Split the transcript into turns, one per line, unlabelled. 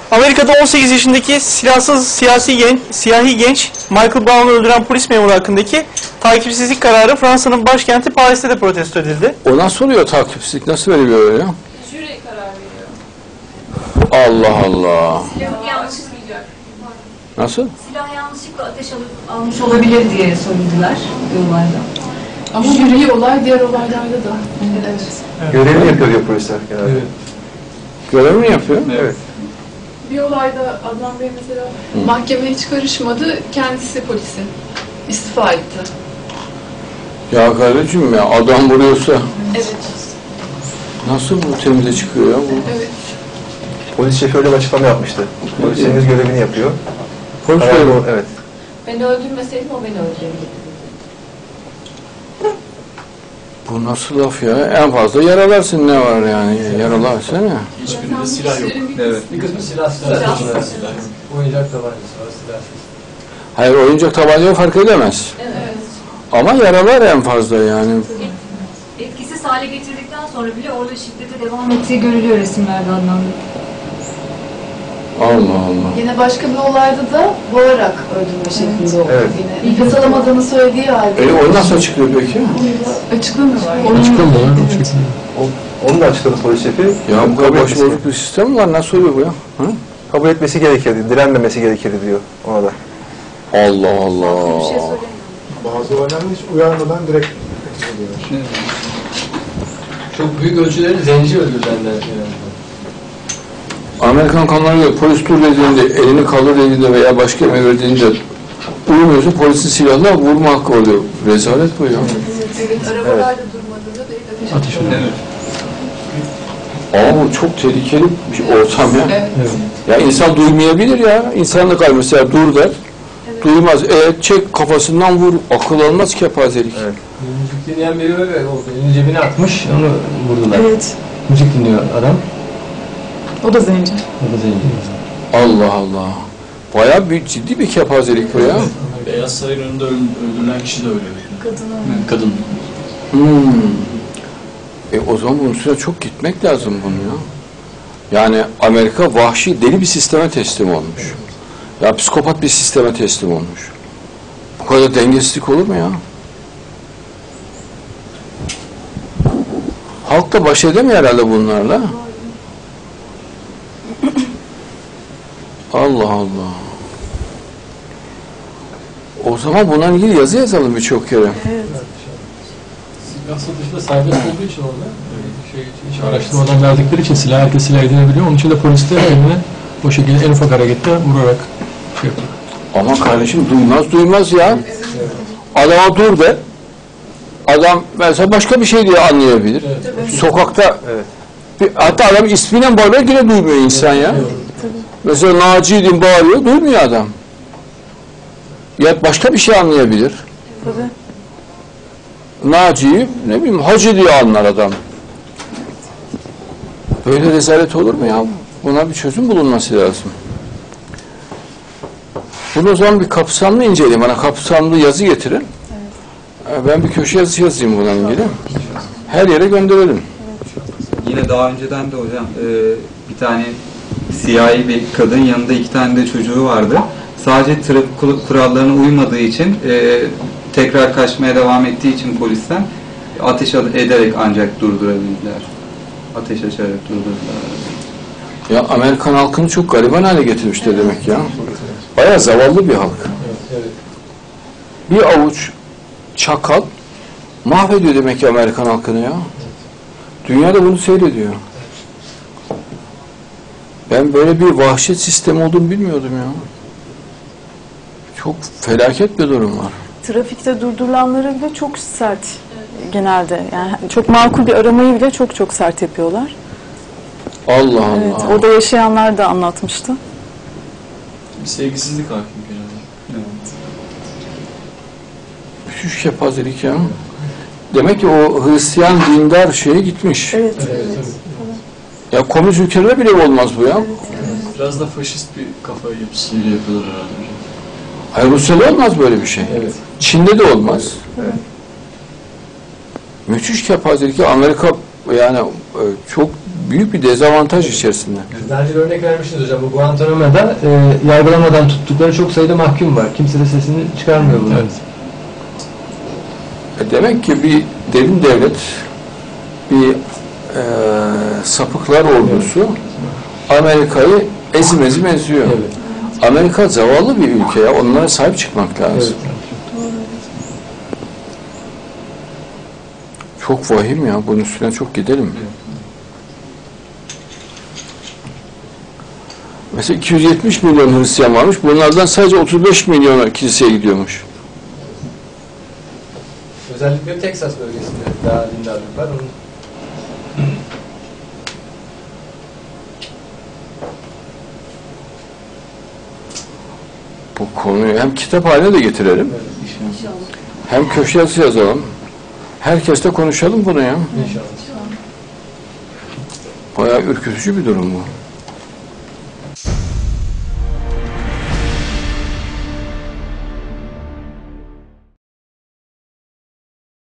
Amerika'da 18 yaşındaki silahsız siyahi genç Michael Brown'u öldüren polis memuru hakkındaki takipsizlik kararı Fransa'nın başkenti Paris'te de protesto edildi.
O nasıl oluyor takipsizlik? Nasıl veriliyor öyle?
Jüri karar veriyor.
Allah Allah.
Silah yanlışlıkla.
Nasıl?
Silah yanlışlıkla ateş almış olabilir diye söylediler yollarda.
Ama jüri olay diğer olaylarda da. Evet.
Görevini yapıyor diyor polisler genelde.
Evet.
Görevini mi yapıyor?
Evet.
Bir olayda Adnan Bey mesela mahkemeye hiç karışmadı, kendisi polisi istifa etti.
Ya kardeşim ya adam vuruyorsa
Evet.
nasıl bu temize çıkıyor ya bu?
Evet.
Polis şefi öyle bir açıklama yapmıştı. Polislerimiz görevini yapıyor.
Polis
Karar
memuru.
doğru, evet.
Beni öldürmeseydim o beni öldürebilirdi.
Bu nasıl laf ya? En fazla yaralarsın ne var yani? Yaralarsana.
Hiçbirinde silah yok.
Evet.
Bir kısmı silahsız. Oyuncak tabancası var, silahsız.
Hayır oyuncak tabancayı fark edemez.
Evet.
Ama yaralar en fazla yani.
Etkisiz hale getirdikten sonra bile orada şiddete devam ettiği görülüyor resimlerde Adnan Bey.
Allah Allah.
Yine başka bir olayda da boğarak öldürme şeklinde oldu.
Evet.
Yine nefes alamadığını söylediği halde.
O nasıl açıklıyor peki?
Açıklamıyorlar.
Açıklamıyorlar.
Onu da açıkladı polis şefi.
Ya bu kadar başıboşluk bir sistem mi var? Nasıl oluyor bu ya? Hı?
Kabul etmesi gerekirdi, direnmemesi gerekirdi diyor ona da.
Allah Allah.
Bir şey söylemiyor.
Bazı olaylar hiç uyarmadan direkt ediyorlar.
Çok büyük ölçüleri zenci öldürülenler.
Amerikan kanunlarına göre polis dur dediğinde, elini kaldır dediğinde veya başka emir verdiğinde uyumuyorsa polisin silahla vurma hakkı oluyor. Rezalet bu ya.
Evet, arabalarda durmadığında direkt ateş ediyor.
Ama bu çok tehlikeli bir ortam ya.
Evet.
Ya insan duymayabilir ya. İnsanlık hali mesela dur der. Duymaz. Çek kafasından vur. Akıl almaz kepazelik.
Evet.
Müzik dinleyen biri öyle oldu. Elini cebine atmış, onu vurdular.
Evet.
Müzik dinliyor adam.
O da zenci.
O da zenci.
Allah Allah. Bayağı bir ciddi bir kepazelik bu ya.
Beyaz Saray'ın önünde öldürülen kişi de öyle. Kadın.
O zaman bunun üstüne çok gitmek lazım bunu ya. Yani Amerika vahşi deli bir sisteme teslim olmuş. Ya psikopat bir sisteme teslim olmuş. Bu kadar dengesizlik olur mu ya? Halk da baş edemiyor herhalde bunlarla. Allah Allah. O zaman bundan ilgili yazı yazalım birçok kere.
Silah satışında serbest olduğu için orada hiç araştırmadan verdikleri için herkes silah edinebiliyor. Onun için de polis de eline o şekilde en ufak harekette vurarak şey yapıyor.
Ama kardeşim duymaz ya. Adama dur de. Adam mesela başka bir şey diye anlayabilir.
Evet.
Sokakta
Evet.
hatta adam ismiyle bağırıyor yine duymuyor insan ya. Mesela Naci'din bağırıyor duymuyor adam. Ya başka bir şey anlayabilir. Naci'yi ne bileyim hacı diye anlar adam. Böyle rezalet olur mu ya? Buna bir çözüm bulunması lazım. Bunu o zaman bir kapsamlı inceleyin. Bana kapsamlı yazı getirin. Ben bir köşe yazısı yazayım bununla ilgili. Her yere gönderelim.
Yine daha önceden de hocam bir tane siyahi bir kadın yanında 2 tane de çocuğu vardı. Sadece trafik kurallarına uymadığı için tekrar kaçmaya devam ettiği için polisten ateş ederek ancak durdurabildiler. Ateş açarak durdurdular.
Ya Amerikan halkını çok gariban hale getirmişler demek ya. Bayağı zavallı bir halk. Bir avuç çakal mahvediyor demek ki Amerikan halkını ya. Dünya da bunu seyrediyor. Ben böyle bir vahşet sistemi olduğunu bilmiyordum ya. Çok felaket bir durum var.
Trafikte durdurulanları bile çok sert genelde. Yani çok makul bir aramayı bile çok sert yapıyorlar.
Allah Allah.
Evet, orada yaşayanlar da anlatmıştı.
Bir sevgisizlik hakim genelde.
Müthiş kepazelik ya. Demek ki o Hristiyan dindar şeye gitmiş.
Evet.
Ya komünist ülkelerde bile olmaz bu ya.
Biraz da faşist bir kafa yapısıyla yapıyorlar herhalde hocam.
Hayır Rusya'da olmaz böyle bir şey.
Evet.
Çin'de de olmaz. Müthiş kepazelik ya. Amerika yani çok büyük bir dezavantaj içerisinde.
Daha önce örnek vermiştiniz hocam. Bu Guantanamo'da yargılamadan tuttukları çok sayıda mahkum var. Kimse de sesini çıkarmıyor bunun. Evet.
Demek ki bir derin devlet, bir sapıklar ordusu Amerika'yı ezim ezim eziyor.
Evet.
Amerika zavallı bir ülke ya. Onlara sahip çıkmak lazım.
Evet.
Çok vahim ya. Bunun üstüne çok gidelim. Mesela 270 milyon Hristiyan varmış. Bunlardan sadece 35 milyona kiliseye gidiyormuş.
Özellikle Teksas bölgesinde daha dindarlık var. Onun...
Bu konuyu hem kitap haline de getirelim.
Evet,
İnşallah.
Hem köşe yazısı yazalım. Herkesle konuşalım bunu ya.
İnşallah.
Bayağı ürkütücü bir durum bu.